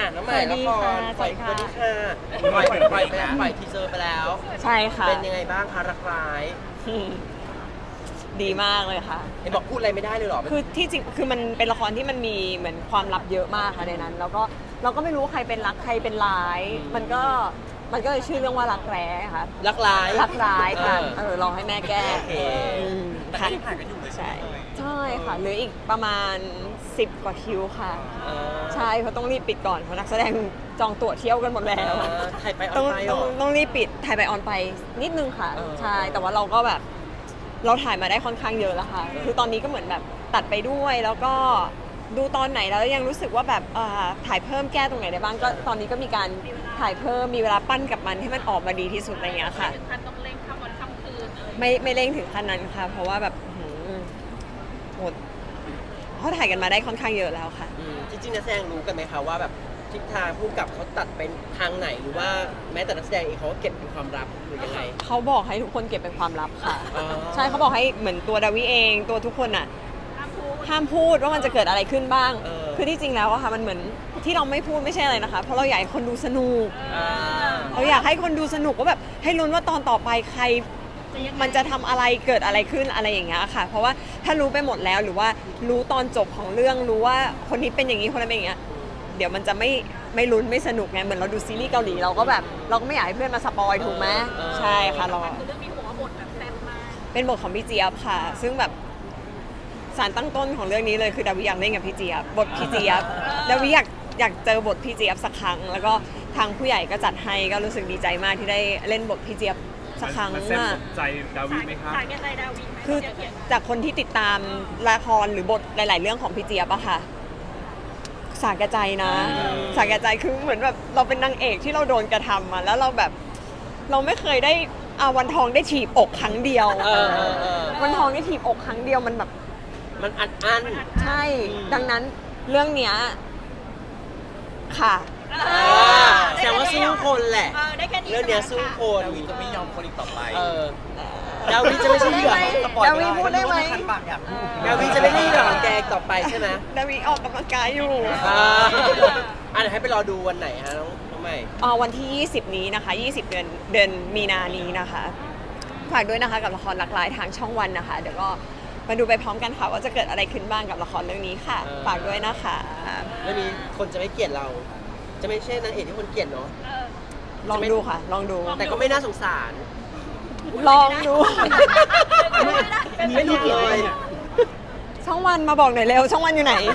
น้องใหม่ละครปล่อยสวัสดีค่ะปล่อยไปแล้วปล่อยทีเซอร์ไปแล้วใช่ค่ะเป็นยังไงบ้างคะรักร้ายดีมากเลยค่ะเห็นบอกพูดอะไรไม่ได้เลยเหรอคือที่จริงคือมันเป็นละครที่มันมีเหมือนความลับเยอะมากค่ะในนั้น แล้วก็เราก็ไม่รู้ใครเป็นรักใครเป็นร้าย มันก็เลยชื่อเรื่องว่ารักแร้ค่ะรักร้ายรักร้ายค่ะลองให้แม่แก้โอเคแต่ก็ยังถ่ายกันอยู่เลยใช่ใช่ไหมใช่ค่ะเหลืออีกประมาณ10 กว่าคิวค่ะเออใช่เพราะต้องรีบปิดก่อนเพราะนักแสดงจองตั๋วเที่ยวกันหมดแล้วถ่ายไปออต้อน งไปเหรต้องอต้องรีบปิดถ่ายไปออนไปนิดนึงค่ะ ใช่แต่ว่าเราก็แบบเราถ่ายมาได้ค่อนข้างเยอะแล้วค่ะ คือตอนนี้ก็เหมือนแบบตัดไปด้วยแล้วก็ดูตอนไหนแล้วยังรู้สึกว่าแบบถ่ายเพิ่มแก้ตรงไหนได้บ้างก็ตอนนี้ก็มีการถ่ายเพิ่มมีเวลาปั้นกับมันให้มันออกมาดีที่สุดอะไรอย่างเงี้ยค่ะถึงขั้นต้องเร่งข้ามวันข้ามคืนอะไรไม่เร่งถึงขั้นนั้นค่ะ เพราะว่าแบบหมดเพราะถ่ายกันมาได้ค่อนข้างเยอะแล้วค่ะจริงๆนักแสดงรู้กันไหมคะว่าแบบทิศทางผู้กำกับเขาตัดเป็นทางไหนหรือว่าแม้แต่นักแสดงเองเขาก็เก็บเป็นความลับหรือยังไงเขาบอกให้ทุกคนเก็บเป็นความลับค่ะอ๋อใช่เขาบอกให้เหมือนตัวดาวิเองตัวทุกคนอ่ะห้ามพูดห้ามพูดว่ามันจะเกิดอะไรขึ้นบ้างเออคือที่จริงแล้วอะค่ะมันเหมือนที่เราไม่พูดไม่ใช่อะไรนะคะ เพราะเราอยากให้คนดูสนุกอ่าเราอยากให้คนดูสนุกว่าแบบให้ลุ้นว่าตอนต่อไปใครมันจะทำอะไรเกิดอะไรขึ้นอะไรอย่างเงี้ยค่ะ เพราะว่าถ้ารู้ไปหมดแล้วหรือว่ารู้ตอนจบของเรื่องรู้ว่าคนนี้เป็นอย่างนี้คนนั้นเป็นอย่างเงี้ยเดี๋ยวมันจะไม่ลุ้นไม่สนุกไงเหมือนเราดูซีรีส์เกาหลีเราก็แบบเราก็ไม่อยากให้เพื่อนมาสปอยถูกไหมใช่ค่ะเราคือเรื่องนี้ผมว่าบทแบบแซ่บมากเป็นบทของพี่เจี๊ยบค่ะ ซึ่งแบบสารตั้งต้นของเรื่องนี้เลยคือดาวิอยากเล่นกับพี่เจี๊ยบบทพี่เจี๊ยบดาวิอยากเจอบทพี่เจี๊ยบสักครั้ง แล้วก็ทางผู้ใหญ่ก็จัดให้ก็รู้สึกดีใจมากที่ได้เล่นบทพี่เจี๊ยบสักครั้งมันแซ่บอะสมใจดาวิไหมครับสายแก่ใจดาวิไหมคือเขียนจากคนที่ติดตามละครหรือบทหลาย ๆ เรื่องของพี่เจี๊ยบอะค่ะ สาแก่ใจนะ สาแก่ใจคือเหมือนแบบเราเป็นนางเอกที่เราโดนกระทำมาแล้วเราแบบเราไม่เคยได้วันทองได้ถีบอกครั้งเดียว วันทองได้ถีบอกครั้งเดียวมันแบบมันอัดอั้นใช่ ดังนั้นเรื่องเนี้ยค่ะแสดงว่าสู้คนแหละได้แค่นี้เรื่องเนี้ยสู้คนดาวิจะไม่ยอมคนอีกต่อไปดาวิจะไม่ใช่เหยื่อสปอยดาวิพูดได้ไหมคันปากอยากพูดดาวิจะไม่ใช่เหยื่อของแกอีกต่อไปใช่ไหมดาวิออกกำลังกายอยู่เดี๋ยวให้ไปรอดูวันไหนฮะน้องใหม่วันที่ 20 นี้นะคะ 20 เดือนมีนานี้นะคะ ฝากด้วยนะคะกับละครรักร้ายทางช่องวันนะคะ เดี๋ยวก็มาดูไปพร้อมกันค่ะว่าจะเกิดอะไรขึ้นบ้างกับละครเรื่องนี้ค่ะ ฝากด้วยนะคะเรื่องนี้คนจะไม่เกลียดเรา จะไม่ใช่นางเอกที่คนเกลียดเนาะลองดูค่ะ ลองดูแต่ก็ไม่น่าสงสารลองดูไม่ถูกเลยช่องวันมาบอกหน่อยเร็ว ช่องวันอยู่ไหน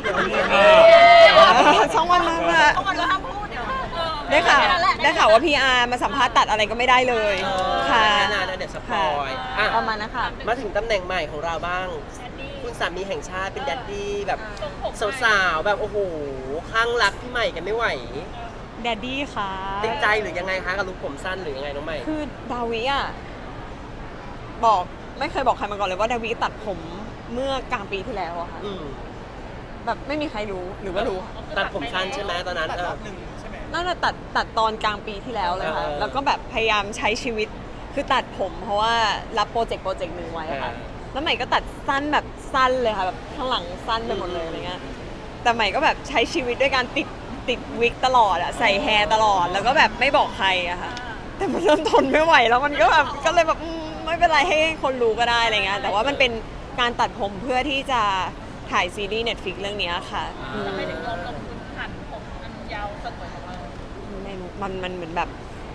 ช่องวันมาต้องมาห้ามพูดเดี๋ยวได้ข่าวว่าพีอาร์มาสัมภาษณ์ตัดอะไรก็ไม่ได้เลยค่ะแค่นั้นนะเดี๋ยวสปอยอ่ะประมาณนะคะมาถึงตำแหน่งใหม่ของเราบ้าง คุณสามีแห่งชาติเป็นแดดดี้แบบสาวๆแบบโอ้โหข้างรักพี่ใหม่กันไม่ไหวแดดดี้ค่ะติดใจหรือยังไงคะกับลุคผมสั้นหรือยังไงน้องใหม่คือดาวิอ่ะบอกไม่เคยบอกใครมาก่อนเลยว่าดาวิตัดผมเมื่อกลางปีที่แล้วอะค่ะอืมแบบไม่มีใครรู้หรือว่ารู้ตัดผมสั้นใช่ไหมตอนนั้นตัดรอบหนึ่งใช่ไหมน่าจะตัดตอนกลางปีที่แล้วเลยค่ะ แล้วก็แบบพยายามใช้ชีวิตคือตัดผมเพราะว่ารับโปรเจกต์หนึ่งไว้ค่ะ แล้วใหม่ก็ตัดสั้นแบบสั้นเลยค่ะแบบข้างหลังสั้นไปหมดเลยอะไรเงี้ย แต่ใหม่ก็แบบใช้ชีวิตด้วยการติดวิกตลอดอะใส่แฮร์ตลอดแล้วก็แบบไม่บอกใครอะค่ะ แต่มันเริ่มทนไม่ไหวแล้วมันก็แบบก็เลยแบบไม่เป็นไรให้คนรู้ก็ได้อะไรเงี้ย แต่ว่ามันเป็นการตัดผมเพื่อที่จะถ่ายซีรีส์ Netflix เรื่องเนี้ยค่ะทำไมถึงยอมลงทุนหั่นผมอันยาวสวยของเราไม่รู้มันเหมือนแบบ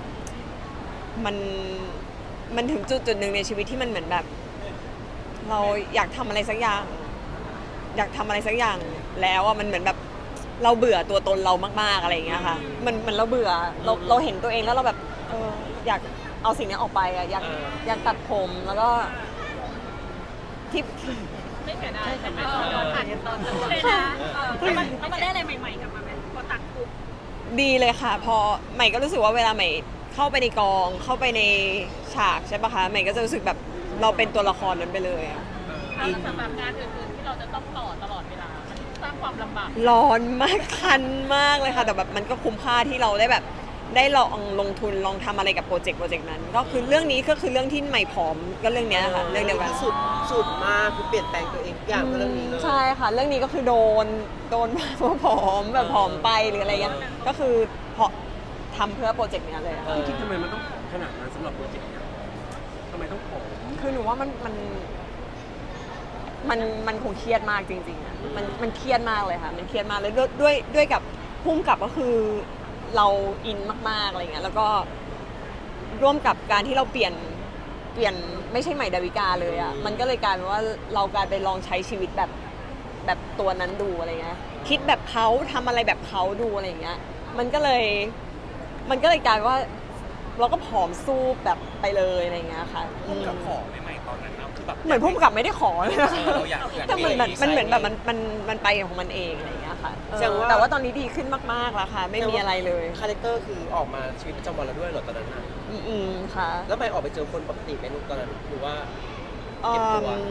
มันถึงจุดหนึ่งในชีวิตที่มันเหมือนแบบ เราอยากทำอะไรสักอย่าง อยากทำอะไรสักอย่างแล้วอ่ะมันเหมือนแบบเราเบื่อตัวตนเรามากๆอะไรอย่างเงี้ยค่ะมันเราเบื่อเราเห็นตัวเองแล้วเราแบบอยากเอาสิ่งนี้ออกไปอ่ะอยากตัดผมแล้วก็ที่ไม่เสียดายแต่ไม่ยอมผ่านตอนนั้นเลยนะแล้วมันได้อะไรใหม่ๆกลับมาไหมพอตัดปุ๊บดีเลยค่ะ พอใหม่ก็รู้สึกว่าเวลาใหม่เข้าไปในกองเข้าไปในฉากใช่ปะคะใหม่ก็จะรู้สึกแบบเราเป็นตัวละครนั้นไปเลยอะแล้วสำหรับงานอื่นๆที่เราจะต้องต่อตลอดเวลา มันสร้างความลำบากร้อนมากคันมากเลยค่ะ แต่แบบมันก็คุ้มค่าที่เราได้แบบได้ลองลงทุนลองทำอะไรกับโปรเจกต์นั้น ก็คือเรื่องนี้ก็คือเรื่องที่ใหม่ผอมก็เรื่องเนี้ยค่ะเรื่องเดียวกันสุดมากคือเปลี่ยนแปลงตัวเองทุกอย่างเพราะเรื่องนี้เลยใช่ค่ะ เรื่องนี้ก็คือโดนว่าผอมแบบผอมไปหรืออะไรเงี้ยก็คือเพราะทำเพื่อโปรเจกต์เนี้ยเลยอะคิดทำไมมันต้องผอมขนาดนั้นสำหรับโปรเจกต์เนี้ยทำไมต้องผอมคือหนูว่ามันคงเครียดมากจริงๆอะมันเครียดมากเลยค่ะมันเครียดมากเลยด้วยกับพุ่มกับก็คือเราอินมากๆอะไรเงี้ยแล้วก็ร่วมกับการที่เราเปลี่ยนไม่ใช่ใหม่ดาวิกาเลยอ่ะมันก็เลยกลายเป็นว่าเรากลายไปลองใช้ชีวิตแบบตัวนั้นดูอะไรเงี้ยคิดแบบเขาทำอะไรแบบเขาดูอะไรอย่างเงี้ยมันก็เลยกลายเป็นว่าเราก็ผอมสู้แบบไปเลยอะไรเงี้ยค่ะพุ่งกับขอใหม่ๆตอนนั้นนะคือแบบเหมือนพุ่มกับไม่ได้ขอเลยนะเราอยากแต่มันเหมือนแบบมันไปของมันเองอะไรอย่างเงี้ยค่ะแสดงว่าแต่ว่าตอนนี้ดีขึ้นมากๆแล้วค่ะ ไม่มีอะไรเลยคาแรคเตอร์คือออกมาชีวิตประจำวันแล้วด้วยเหรอตอนนั้นน่ะอืมค่ะแล้วไปออกไปเจอคนปกติไหมลูกตอนนั้นหรือว่าอืเก็บตัวม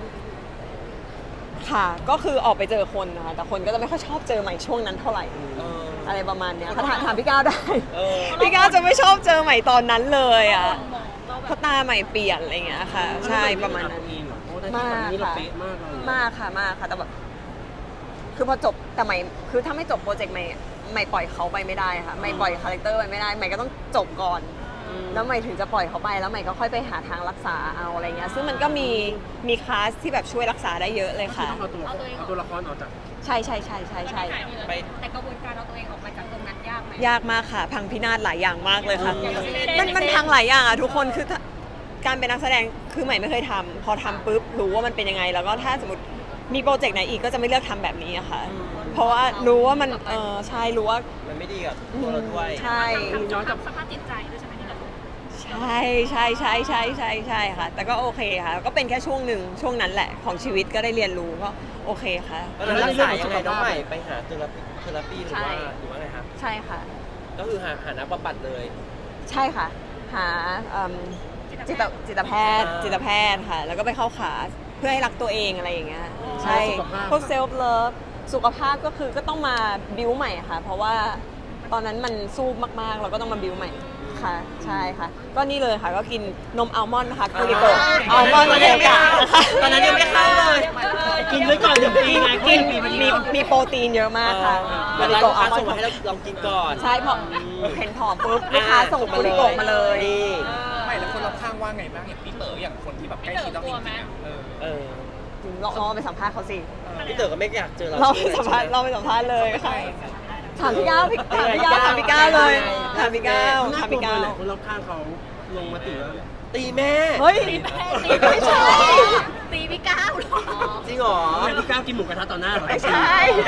ค่ะ ก็คือออกไปเจอคนนะคะแต่คนก็จะไม่ค่อยชอบเจอใหม่ช่วงนั้นเท่าไหร่เอออะไรประมาณเนี้ยค่ะถามพี่ก้าวได้เออพี่ก้าวจะไม่ชอบเจอใหม่ตอนนั้นเลยอ่ะเราแบเพบราะตาใหม่เปลี่ยนอะไรอย่างเงี้ยค่ะ ใช่ประมาณนั้นเองเหรอเพราะว่าได้ที่ตอนนี้เราเป๊ะมากเลยมากค่ะแต่แบบคือพอจบแต่ใหม่คือถ้าไม่จบโปรเจกต์ใหม่ปล่อยเขาไปไม่ได้ค่ะใหม่ปล่อยคาแรคเตอร์ไปไม่ได้ใหม่ก็ต้องจบก่อน แล้วใหม่ถึงจะปล่อยเขาไปแล้วใหม่ก็ค่อยไปหาทางรักษาเอาอะไรเงี้ยซึ่งมันก็มีคลาสที่แบบช่วยรักษาได้เยอะเลยค่ะต้องเอาตัวละครออกจากใช่ไปแต่กระบวนการเอาตัวเองออกมาจากตรงนั้นยากไหมยากมากค่ะ พังพินาศหลายอย่างมากเลยค่ะอย่างเช่นมันพังหลายอย่างอ่ะทุกคนคือถ้าการเป็นนักแสดงคือใหม่ไม่เคยทำพอทำปุ๊บรู้ว่ามันเป็นยังไง แล้วก็ถ้าสมมติมีโปรเจกต์ไหนอีกก็จะไม่เลือกทำแบบนี้อะค่ะ เพราะว่ารู้ว่ามันใช่รู้ว่ามันไม่ดีกับตัวเราด้วยใช่ย้อนกลับสภาพจิตใจด้วยใช่ไหมที่เราใช่ค่ะ แต่ก็โอเคค่ะ ก็เป็นแค่ช่วงหนึ่งช่วงนั้นแหละของชีวิตก็ได้เรียนรู้ก็โอเคค่ะตอนนั้นรักษายังไงน้องใหม่ไปหาเทอราปีหรือใช่ว่าไงครับใช่ค่ะก็คือหานักบำบัดเลยใช่ค่ะ หาจิตแพทย์ค่ะ แล้วก็ไปเข้าคลาสเพื่อให้รักตัวเองอะไรอย่างเงี้ยใช่สุขภาพพวกเซลฟ์เลิฟสุขภาพก็คือก็ต้องมาบิวใหม่ค่ะ เพราะว่าตอนนั้นมันสู้มากๆ เราก็ต้องมาบิวใหม่ค่ะ ใช่ค่ะ ก็นี่เลยค่ะก็กินนมอัลมอนด์นะคะกูริโกะอัลมอนด์เดกะนะคะตอนนั้นยังไม่เข้าเลยกินไว้ก่อน1 ปีไงกินมีโปรตีนเยอะมากค่ะเวลากูลูริกค้าโกะอัลมอนส่งมาด์ให้เราลองกินก่อนใช่พอเห็นผอมปุ๊บลูกค้าส่งกูริโกะมาเลยนี่ไม่แล้วคนรอบข้างว่าไงบ้างอย่างพี่เต๋ออย่างคนที่แบบใกล้ชิดเราจริงๆอะเออลองไปสัมภาษณ์เขาสิพี่เต๋อก็ไม่อยากเจอเราเราไปสัมภาษณ์เลยค่ะถามพี่ก้าวถามพี่ก้าวเลยถามพี่ก้าวน่าถามกลัวพี่ก้าวแหละคนรอบข้างเขาลงมาติว่าตีแม่เฮ้ยไม่ใช่ตีพี่ก้าวหรอจริงเหรอพี่ก้าวกินหมูกระทะต่อหน้าเหรอไม่ใช่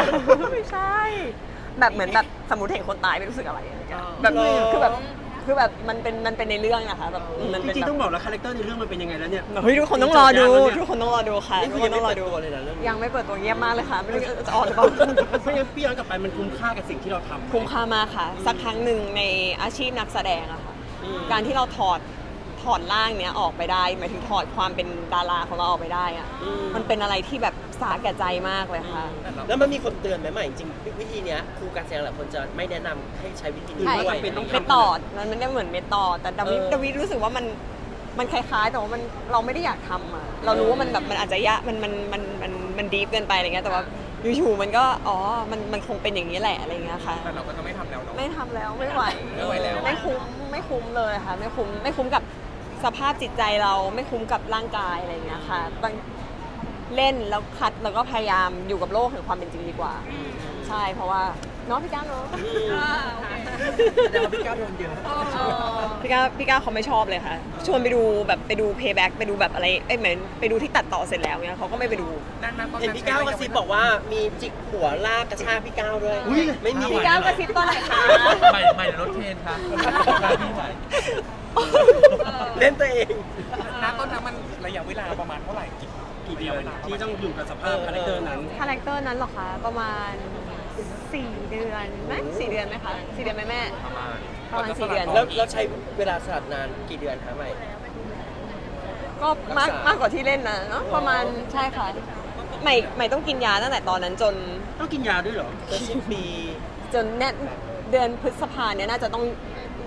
แบบเหมือนแบบสมมติเห็นคนตายไม่รู้สึกอะไรอะไรเงี้ยแบบคือแบบมันเป็นในเรื่องนะคะแบบมันจเป็นริงๆแบต้อบ งบอกแล้วคาแรคเตอร์ในเรื่องมันเป็นยังไงแล้วเนี่ยเฮ้ยทุกคนต้องรอดูทุกคนต้องรอดูค่ะนี่ทุคืกอคยังนไม่ต้องรอเปิดดูตัวเลยนะเรื่องนี้ยังไม่เปิดตัวเงียบมากเลยค่ะไม่รู้จะออนหรือเปล่าเพราะงั้นพี่ย้อนกลับไปมันคุ้มค่ากับสิ่งที่เราทำคุ้มค่ามากค่ะ สักครั้งหนึ่งในอาชีพนักแสดงอะค่ะอืมการที่เราถอดร่างเนี้ยออกไปได้หมายถึงถอดความเป็นดาราของเราออกไปได้อะมันเป็นอะไรที่แบบสาแก่ใจมากเลยค่ะแล้วมันมีคนเตือนไหมใหม่จริงๆวิธีเนี้ยครูการแสดงหลายคนจะไม่แนะนำให้ใช้วิธีนี้ใช่ด้วยเป็นต้องเมตอดมันไม่เหมือนเมตอดแต่ดาวิรู้สึกว่ามันคล้ายๆแต่ว่าเราไม่ได้อยากทำอะเรารู้ว่ามันแบบมันอาจจะยะมันดีฟเกินไปอะไรเงี้ยแต่ว่าอยู่ๆมันก็มันคงเป็นอย่างนี้แหละอะไรเงี้ยค่ะแต่เราก็จะไม่ทำแล้วเนาะไม่ทำแล้วไม่ไหวไม่ไหวแล้วไม่คุ้มเลยค่ะไม่คุ้มกับสภาพจิตใจเราไม่คุ้มกับร่างกายอะไรอย่างเงี้ยค่ะบางเล่นแล้วคัดแล้วก็พยายามอยู่กับโลกแห่งความเป็นจริงดีกว่า ใช่เพราะว่าเนาะพี่ก้าวเนาะแต่ว่าพี่ก้าวโดนเยอะพี่ก้าวเขาไม่ชอบเลยค่ะ ชวนไปดูแบบไปดู payback ไปดูแบบอะไรเหมือนไปดูที่ตัดต่อเสร็จแล้วเงี้ยเขาก็ไม่ไปดูเห็นพี่ก้าวกระซิบบอกว่ามีจิกหัวลากกระชากพี่ก้าวด้วยอุ๊ยไม่มีพี่ก้าวกระซิบตอนไหนคะไม่รถเทนครับพี่ไหวเล่นตัวเองณตอนนั้นมันระยะเวลาประมาณเท่าไหร่กี่เดือนที่ต้องอยู่กับสภาพคาแรคเตอร์นั้นคาแรคเตอร์นั้นเหรอคะประมาณ4 เดือนไหม4 เดือนไหมคะ4 เดือนไหมแม่ ประมาณ4 เดือนแล้วใช้เวลาสลัดนานกี่เดือนคะใหม่ก็มากกว่าที่เล่นนะเนอะประมาณใช่ค่ะใหม่ต้องกินยาตั้งแต่ตอนนั้นจนต้องกินยาด้วยเหรอก็สิ้นปีจนเนี่ยเดือนพฤษภาเนี่ยน่าจะต้อง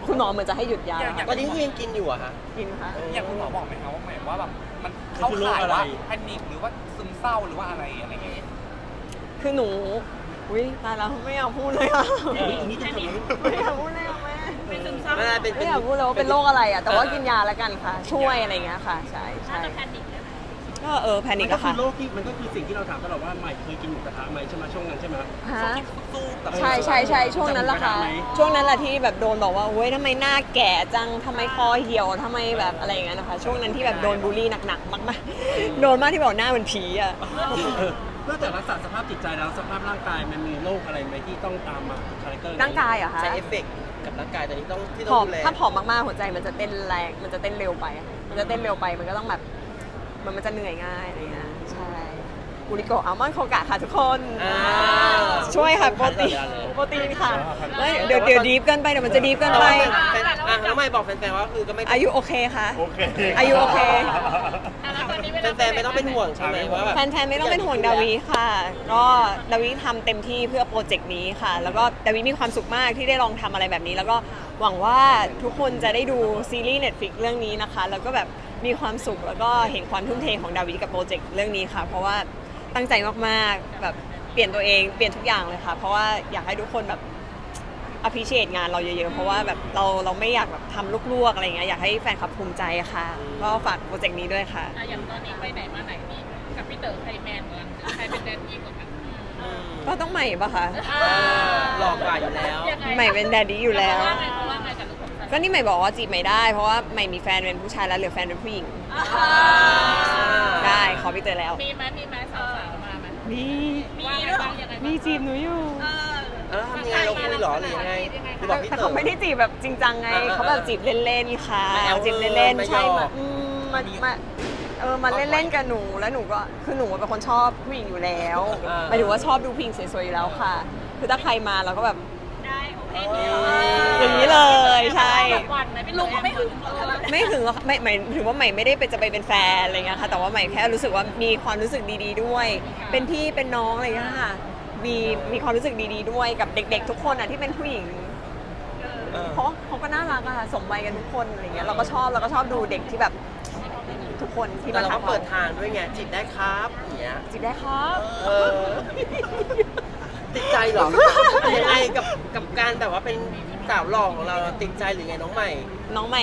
คุณหมอเหมือนจะให้หยุดยาอย่างตอนนี้ยังกินอยู่อะฮะกินค่ะอย่างคุณหมอบอกไหมคะว่าหมายว่าแบบมันเข้าข่ายว่าแพนิคหรือว่าซึมเศร้าหรือว่าอะไรอะไรเงี้ยคือหนูอุ้ยตายแล้วไม่อยากพูดเลยอ่ะอีกนิดนึงเถอะไม่อยากพูดเลยอ่ะแม่เป็นซึมเศร้าไม่ได้เป็นไม่อยากพูดเลยว่าเป็นโรคอะไรอ่ะแต่ว่ากินยาแล้วกันค่ะ ช่วยอะไรอย่างเงี้ยค่ะ ใช่น่าใช่จะแพนิคเลยไหมก็แพนิมัคนก็อะคืค่ะอโรคที่มันก็คือสิ่งที่เราถามตลอดว่าใหม่เคยกินหมูกระทะไหมใช่ไหมช่วงนั้นใช่ไหมฮะสู้แต่ใช่ใช่ใช่ช่วงนั้นแหละค่ะจำไม่ได้ไหมช่วงนั้นแหละที่แบบโดนบอกว่าเว้ยทำไมหน้าแก่จังทำไมคอเหี่ยวทำไมแบบอะไรอย่างเงี้ยนะคะช่วงนั้นที่แบบโดนบูลลี่หนักๆมากๆโดนมากที่บอกหน้าเหมือนผีอ่ะนอกจากรักษาสภาพจิตใจแล้วสภาพร่างกายมันมีโรคอะไรไหมที่ต้องตามมาคาแรคเตอร์ร่างกายเหรอคะใช้เอฟเฟกต์กับร่างกายตอนนี้ต้องที่ผต้ออง มดูแลถ้าผอมมากๆหัวใจมันจะเต้นแรงมันจะเต้นเร็วไป มันจะเต้นเร็วไปมันก็ต้องแบบมันจะเหนื่อยง่ายอะไรเงี้ยใช่กูริโกอัลมอนด์โคกะค่ะทุกคนอ่าช่วยค่ะโปรตีนโปรตีนค่ะแล้วเดี๋ยวดีฟเกินไปเดี๋ยวมันจะดีฟเกินไปน้องใหม่บอกแฟนๆว่าคือก็ไม่อายุโอเคค่ะโอเคอายุโอเคแล้วตอนนี้เวลาแฟนๆไม่ต้องเป็นห่วงใช่ไหมว่าแบบแฟนๆไม่ต้องเป็นห่วงดาวิค่ะ ก็ดาวิทำเต็มที่เพื่อโปรเจกต์นี้ค่ะ แล้วก็ดาวิมีความสุขมากที่ได้ลองทำอะไรแบบนี้ แล้วก็หวังว่าทุกคนจะได้ดูซีรีส์ Netflix เรื่องนี้นะคะ แล้วก็แบบมีความสุขแล้วก็เห็นความทุ่มเทของดาวิกับโปรเจกต์เรื่องนี้ค่ะ เพราะว่าตั้งใจมากๆแบบเปลี่ยนตัวเองเปลี่ยนทุกอย่างเลยค่ะ เพราะว่าอยากให้ทุกคนแบบ appreciate งานเราเยอะๆ เพราะว่าแบบเราไม่อยากแบบทำลวกๆอะไรเงี้ยอยากให้แฟนคลับภูมิใจค่ะ ก็ฝากโปรเจกต์นี้ด้วยค่ะอย่างตอนนี้ไปไหนมาไหนนี่กับพี่เต๋อใครแมนกว่ากันใครเป็นแดนนี่กว่ากันก็ต้องใหม่ปะคะหลอกกว่าอยู่แล้วยังไงใหม่เป็นแดดดี้อยู่แล้วเขาว่าไงกับลูกของฉันก็นี่ใหม่บอกว่าจีบใหม่ได้ เพราะว่าใหม่มีแฟนเป็นผู้ชายแล้วเหลือแฟนเป็นผู้หญิง ได้ขอพี่เตยแล้วมีไหมสาวๆมาไหมมีว่าไงบ้างยังไงบ้างมีจีบหนูอยู่แล้วทำยังไงเราคุยเหรอหรือยังไงหรือบอกพี่แต่เต๋เขาอไม่ได้จีบแบบจริงจังไง เขาแบบจีบเล่นๆค่ะมาแอลจีบเล่นมาๆใช่หยอกมาเล่นๆกับหนูแล้วหนูก็คือหนูเป็นคนชอบผู้หญิงอยู่แล้วหมายถึงว่าชอบดูผู้หญิงสวยๆอยู่แล้วค่ะ คือถ้าใครมาเราก็แบบได้โอเคอย่างนี้เลยใช่วันไหมลุงก็ไม่ถึงไม่ถึงหรอกไม่หมายถึงว่าใหม่ไม่ได้จะไปเป็นแฟนอะไรเงี้ยค่ะแต่ว่าใหม่แค่รู้สึกว่ามีความรู้สึกดีๆด้วย เป็นพี่เป็นน้องอะไรเงี้ยค่ะมีความรู้สึกดีๆด้วยกับเด็กๆทุกคนอ่ะที่เป็นผู้หญิง เพราะเขาก็น่ารักอะค่ะสมวัยกันทุกคนอะไรเงี้ยเราก็ชอบดูเด็กที่แบบทุกคนที่แต่มาเราก็ทำเปิดทางด้วยไงจีบได้ครับอย่างเงี้ยจีบได้ครับเออติดใจเหรอยังไงกับการแบบว่าเป็นสาวหล่อของเราติดใจหรือไงน้องใหม่น้องใหม่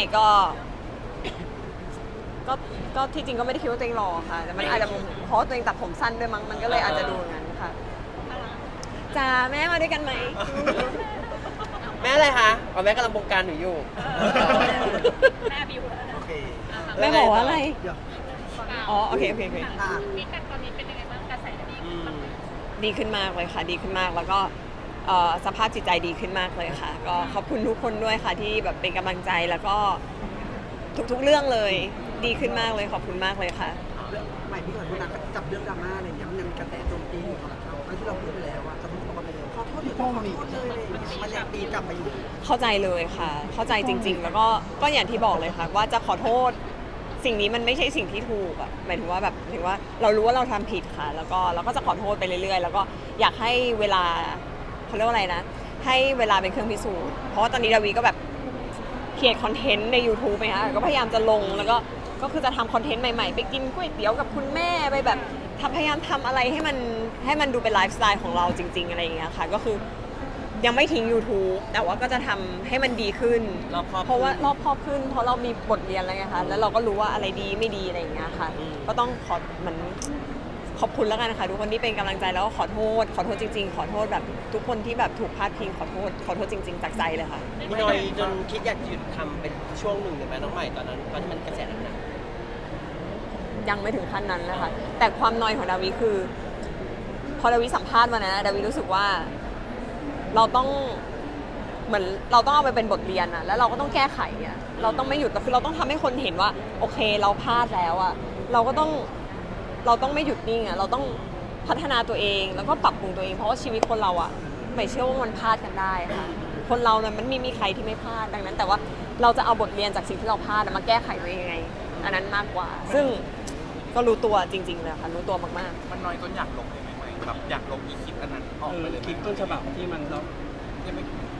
ก็ที่จริงก็ไม่ได้คิดว่าตัวเองหล่อค่ะ แต่มันอาจจะเพราะตัวเองตัดผมสั้นด้วยมั้งมันก็เลยอาจจะดูอย่างนั้นค่ะจ้าแม่มาด้วยกันไหมแม่อะไรคะอ๋อแม่กำลังบงการหนูอยู่แม่บิวแล้วนะโอเคแม่บอกว่าอะไรอ๋อโอเคมีกันตอนนี้เป็นยังไงบ้างกระแสดีอืมดีขึ้นมากเลยค่ะ ดีขึ้นมากแล้วก็สภาพจิตใจดีขึ้นมากเลยค่ะ ก็ขอบคุณทุกคนด้วยค่ะที่แบบเป็นกำลังใจแล้วก็ทุกๆเรื่องเลยดีขึ้นมากเลยขอบคุณมากเลยค่ะใหม่พี่ขอโทษนะจับเรื่องดราม่าอะไรเนี่ยมันยังมีกระแสโจมตีอยู่สำหรับเราทั้งที่เราพูดไปแล้วอะจะพูดออกมาเป็นขอโทษหรือขอโทษเลยมันยังตีกลับมาอยู่เข้าใจเลยค่ะ เข้าใจจริง ๆ แล้วก็อย่างที่บอกเลยค่ะ ว่าจะขอโทษสิ่งนี้มันไม่ใช่สิ่งที่ถูกอะหมายถึงว่าแบบถึงว่าเรารู้ว่าเราทำผิดค่ะ แล้วก็เราก็จะขอโทษไปเรื่อยๆ แล้วก็อยากให้เวลาเขาเรียกว่าอะไรนะ ให้เวลาเป็นเครื่องพิสูจน์เพราะว่าตอนนี้ดาวีก็แบบเขียนคอนเทนต์ใน YouTube ไหมคะก็พยายามจะลงแล้วก็คือจะทำคอนเทนต์ใหม่ๆ ไปกินก๋วยเตี๋ยวกับคุณแม่ไปแบบพยายามทำอะไรให้มันดูเป็นไลฟ์สไตล์ของเราจริง ๆอะไรอย่างเงี้ยค่ะก็คือยังไม่ทิ้ง YouTube แต่ว่าก็จะทำให้มันดีขึ้นรอบคอบเพราะว่ารอบครอบขึ้นเพราะเรามีบทเรียนแล้วไงคะแล้วเราก็รู้ว่าอะไรดีไม่ดีอะไรอย่างเงี้ยค่ะ ก็ต้องขอบคุณแล้วกันนะคะทุกคนที่เป็นกำลังใจแล้วก็ขอโทษจริงๆ ขอโทษแบบทุกคนที่แบบถูกพาดพิงขอโทษจริง ๆจากใจเลยค่ะมีน้อยจนคิดอยากหยุดทำเป็นช่วงหนึ่งเลยไหมน้องใหม่ตอนนั้นตอนที่มันกระแสหนักยังไม่ถึงขั้นนั้นนะคะแต่ความนอยของดาวิคือ พอดาวิสัมภาษณ์มานะดาวิรู้สึกว่าเราต้องเหมือนเราต้องเอาไปเป็นบทเรียนอะแล้วเราก็ต้องแก้ไขอะเราต้องไม่หยุดคือเราต้องทำให้คนเห็นว่าโอเคเราพลาดแล้วอะเราต้องไม่หยุดนิ่งอะเราต้องพัฒนาตัวเองแล้วก็ปรับปรุงตัวเองเพราะว่าชีวิตคนเราอะไม่เชื่อว่ามันพลาดกันได้ค่ะคนเราเนี่ยมันไม่มีใครที่ไม่พลาดดังนั้น แต่ว่าเราจะเอาบทเรียนจากสิ่งที่เราพลาดมาแก้ไขตัวเองยังไงอันนั้นมากกว่า ซึ่งก็รู้ตัวจริงๆเลยค่ะรู้ตัวมากๆมันน้อยจนอยากลงเลยไหมแบบอยากลงอีคลิปอันนั้นออกไปเลยคลิปต้นฉบับที่มันเรายังไม่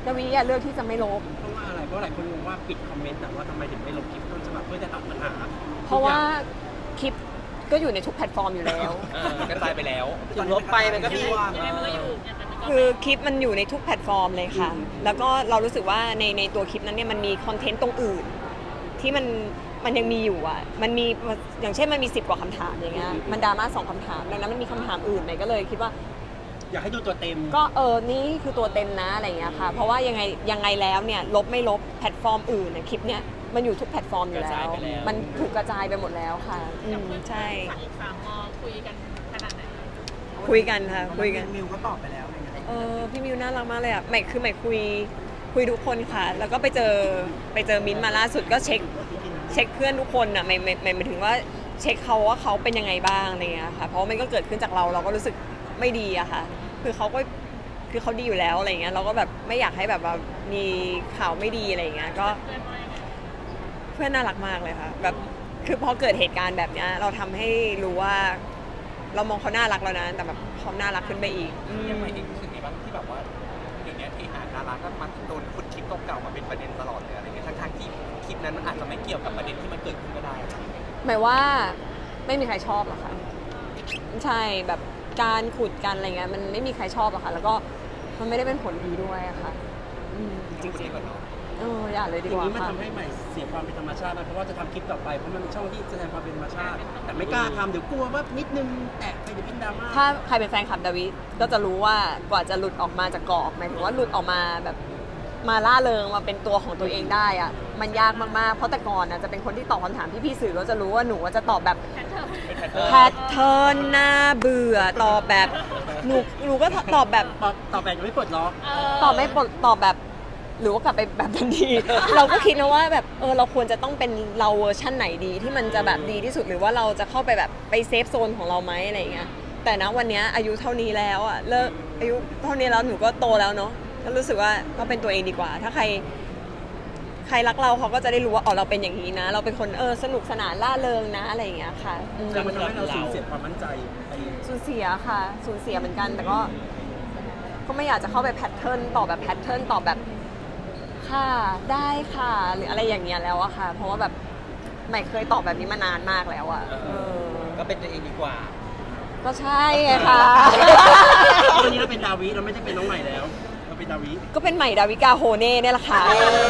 ดาวิอะเลือกที่จะไม่ลบเพราะว่าอะไรเพราะหลายคนงงว่าปิดคอมเมนต์แต่ว่าทำไมถึงไม่ลบคลิปต้นฉบับเพื่อจะตัดปัญหาเพราะว่าคลิปก็อยู่ในทุกแพลตฟอร์มอยู่แล้วกระจายไปแล้วถึงลบไปมันก็มียังไงมันก็อยู่เนี่ยมันก็คือคลิปมันอยู่ในทุกแพลตฟอร์มเลยค่ะ แล้วก็เรารู้สึกว่าในตัวคลิปนั้นเนี่ยมันมีคอนเทนต์ตรงอื่น ที่มันยังมีอยู่อ่ะ มันมีอย่างเช่นมันมี10 กว่าคำถามอย่างเงี้ย มันดราม่า2 คำถามดังนั้นมันมีคำถามอื่นไหนก็เลยคิดว่าอยากให้ดูตัวเต็มก็นี่คือตัวเต็มนะอะไรอย่างเงี้ยค่ะ เพราะว่ายังไงแล้วเนี่ยลบไม่ลบแพลตฟอร์มอื่นเนี่ยคลิปเนี้ยมันอยู่ทุกแพลตฟอร์มอยู่แล้ว มันถูกกระจายไปหมดแล้วค่ะใช่ฝั่งอีก3 มคุยกันขนาดไหนคุยกันค่ะคุยกันมิวก็ตอบไปแล้วอะไรเงี้ยพี่มิวน่ารักมากเลยอ่ะใหม่คุยทุกคนค่ะ แล้วก็ไปเจอมิ้นท์มาล่าสุดก็เช็คเพื่อนทุกคนอ่ะหมายถึงว่าเช็คเขาว่าเขาเป็นยังไงบ้างอะไรเงี้ยค่ะ เพราะมันก็เกิดขึ้นจากเราก็รู้สึกไม่ดีอะค่ะ คือเขาดีอยู่แล้วอะไรเงี้ยเราก็แบบไม่อยากให้แบบว่ามีข่าวไม่ดีอะไรเงี้ยก็เพื่อนน่ารักมากเลยค่ะแบบคือพอเกิดเหตุการณ์แบบเนี้ยเราทำให้รู้ว่า เรามองเขาน่ารักแล้วนะแต่แบบเขาน่ารักขึ้นไปอีกยังไม่เองรู้สึกไงบ้างที่แบบว่าเดี๋ยวนี้ที่ดาราก็มันโดนขุดคลิปเก่าๆมาเป็นประเด็นตลอดเลยอะไรเงี้ยทั้งๆที่คลิปนั้นมันอาจจะไม่เกี่ยวกับประเด็นที่มันเกิดขึ้นก็ได้หมายว่าไม่มีใครชอบหรอกค่ะใช่แบบการขุดกันอะไรเงี้ยมันไม่มีใครชอบหรอกค่ะ แล้วก็มันไม่ได้เป็นผลดีด้วยอะค่ะจริงๆอย่าเลยดีอก ย่างว่านี้มันค่ะทำให้ใหม่เสียความเป็นธรรมชาตินะเพราะว่าจะทำคลิปต่อไปเพราะมันเป็นช่องที่แสดงความเป็นธรรมชาติ แต่ไม่กล้าทำเดี๋ยวกลัวว่านิดนึงแตะไปเดี๋ยวเป็นดราม่าถ้าใครเป็นแฟนคลับดาวิก็จะรู้ว่ากว่าจะหลุดออกมาจากกรอบหมายถึงว่าหลุดออกมาแบบมาล่าเริงมาเป็นตัวของตัวเองได้อะมันยากมากๆเพราะแต่ก่อนนะจะเป็นคนที่ตอบคำถามที่พี่สื่อก็จะรู้ว่าหนูจะตอบแบบ แพทเทิร์นน่าเบื่อตอบแบบหนูก็ตอบแบบต่อไปจะไม่ปลดล็อกตอบไม่ปลดตอบแบบหรือว่ากลับไปแบบทันที เราก็คิดนะว่าแบบเราควรจะต้องเป็นเราเวอร์ชั่นไหนดีที่มันจะแบบดีที่สุดหรือว่าเราจะเข้าไปแบบไปเซฟโซนของเราไหมอะไรอย่างเงี้ยแต่นะวันเนี้ยอายุเท่านี้แล้วอ่ะเลิกอายุเท่านี้แล้วหนูก็โตแล้วเนาะก็รู้สึกว่าก็เป็นตัวเองดีกว่า ถ้าใครรักเราเขาก็จะได้รู้ว่าเราเป็นอย่างนี้นะ เราเป็นคนสนุกสนานล่าเริงนะอะไรอย่างเงี้ยค่ะแต่มันทำให้เราสูญเสียความมั่นใจไปสูญเสียค่ะสูญเสียเหมือนกันแต่ก็ไม่อยากจะเข้าไปแพทเทิร์นตอบแบบแพทเทิร์นตอบแบบค่ะได้ค่ะหรืออะไรอย่างเงี้ยแล้วอะค่ะ เพราะว่าแบบไม่เคยตอบแบบนี้มานานมากแล้วอะก็เป็นตัวเองดีกว่าก็ใช่ไงค่ะตอนนี้เราเป็นดาวิเราไม่ได้เป็นน้องใหม่แล้วเราเป็นดาวิก็เป็นใหม่ดาวิกาโฮเน่เนี่ยแหละค่ะ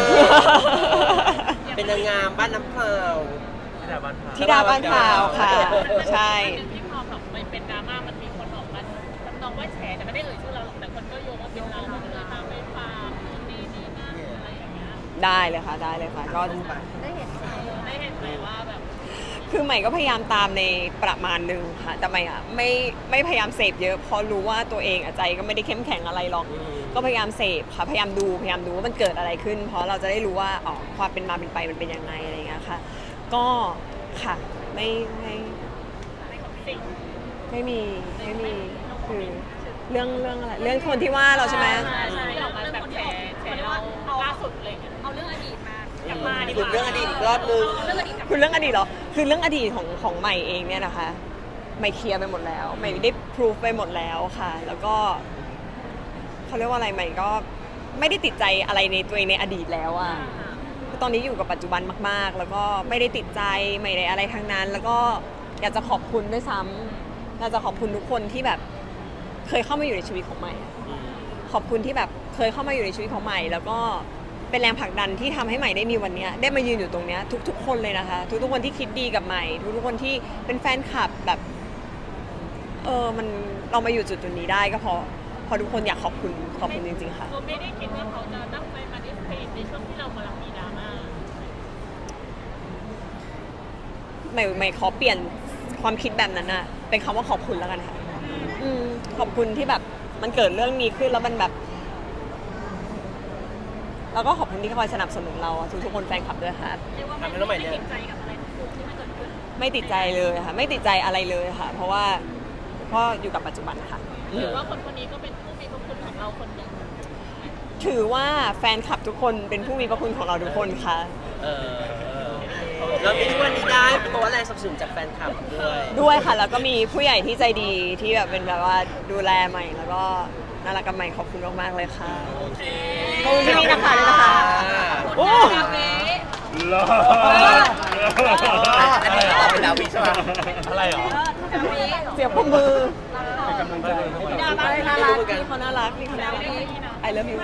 เป็นนางงามบ้านน้ำพราวธิดาบ้านข่าวค่ะ ใช่ที่พอแบบไม่เป็นดราม่ามันมีคนออกมาทำนองว่าแฉแต่ไม่ได้เอ่ยชื่อเราหรอกแต่คนก็โยงว่าเป็นเรามันเลยมาไม่ฟาร์มนี่นั่นอะไรอย่างเงี้ยได้เลยค่ะได้เลยค่ะก็ได้เห็นไหมว่าแบบคือใหม่ก็พยายามตามในประมาณหนึ่งค่ะแต่ใหม่อะไม่พยายามเสพเยอะเพราะรู้ว่าตัวเองใจก็ไม่ได้เข้มแข็งอะไรหรอก ก็พยายามเสพค่ะพยายามดูว่ามันเกิดอะไรขึ้น เพราะเราจะได้รู้ว่าความเป็นมาเป็นไปมันเป็นยังไงอะไรอย่างเงี้ยค่ะ ก็ค่ะไม่มีคือเรื่องอะไรเรื่องคนที่ว่าเราใช่ไหมใช่ออกมาแบบแฉเราล่าสุดเลยเอาเรื่องอดีตมากลับมาดีกขุดว่าเรื่องอดีตอีกรอบนึงเรื่องอดีตคือเรื่องอดีตเหรอคือเรื่องอดีตของใหม่เองเนี่ยนะคะใหม่เคลียร์ไปหมดแล้วใหม่ได้พิสูจไปหมดแล้วค่ะ แล้วก็เขาเรียกว่าอะไรใหม่ก็ไม่ได้ติดใจอะไรในตัวเองในอดีตแล้วอะตอนนี้อยู่กับปัจจุบันมากๆ แล้วก็ไม่ได้ติดใจไม่ได้อะไรทั้งนั้น แล้วก็อยากจะขอบคุณด้วยซ้ำอยากจะขอบคุณทุกคนที่แบบเคยเข้ามาอยู่ในชีวิตของใหม่อะขอบคุณที่แบบเคยเข้ามาอยู่ในชีวิตของใหม่ แล้วก็เป็นแรงผลักดันที่ทำให้ใหม่ได้มีวันนี้ได้มายืนอยู่ตรงนี้ทุกๆคนเลยนะคะ ทุกๆคนที่คิดดีกับใหม่ทุกๆคนที่เป็นแฟนคลับแบบมันเรามาอยู่จุดนี้ได้ก็เพราะทุกคนอยากขอบคุณจริงๆค่ะเราไม่ได้คิดว่าเขาจะตั้งใจมาดิสเพย์ในช่วงที่เรากำลังมีดราม่าไม่ขอเปลี่ยนความคิดแบบนั้นนะเป็นคำว่าขอบคุณแล้วกันค่ะขอบคุณที่แบบมันเกิดเรื่องนี้ขึ้นแล้วมันแบบแล้วก็ขอบคุณที่คอยสนับสนุนเราทุกคนแฟนคลับด้วยค่ะเรียกว่าไม่ติดใจกับอะไรทุกที่มันเกิดขึ้นไม่ติดใจเลยค่ะไม่ติดใจอะไรเลยค่ะ เพราะว่าก็อยู่กับปัจจุบันค่ะหรือว่าคนคนนี้ก็เป็นผู้มีพระคุณของเราคนหนึ่งถือว่าแฟนคลับทุกคนเป็นผู้มีพระคุณของเราทุกคนค่ะเรามีทุกวันนี้ได้เพราะว่าแรงสนับสนุนจากแฟนคลับด้วยด้วยค่ะ แล้วก็มีผู้ใหญ่ที่ใจดีที่แบบเป็นแบบว่าดูแลใหม่แล้วก็น่ารักกับใหม่ขอบคุณมากๆเลยค่ะโอเคขอบคุณพี่นะคะด้วยนะคะโอ้รออันนี้เป็นดาวิใช่ไหมอะไรหรอเสียงปรบมือเป็นกำลังใจให้น่ารักน่ารักพี่เขาน่ารักพี่เขาน่ารัก I love you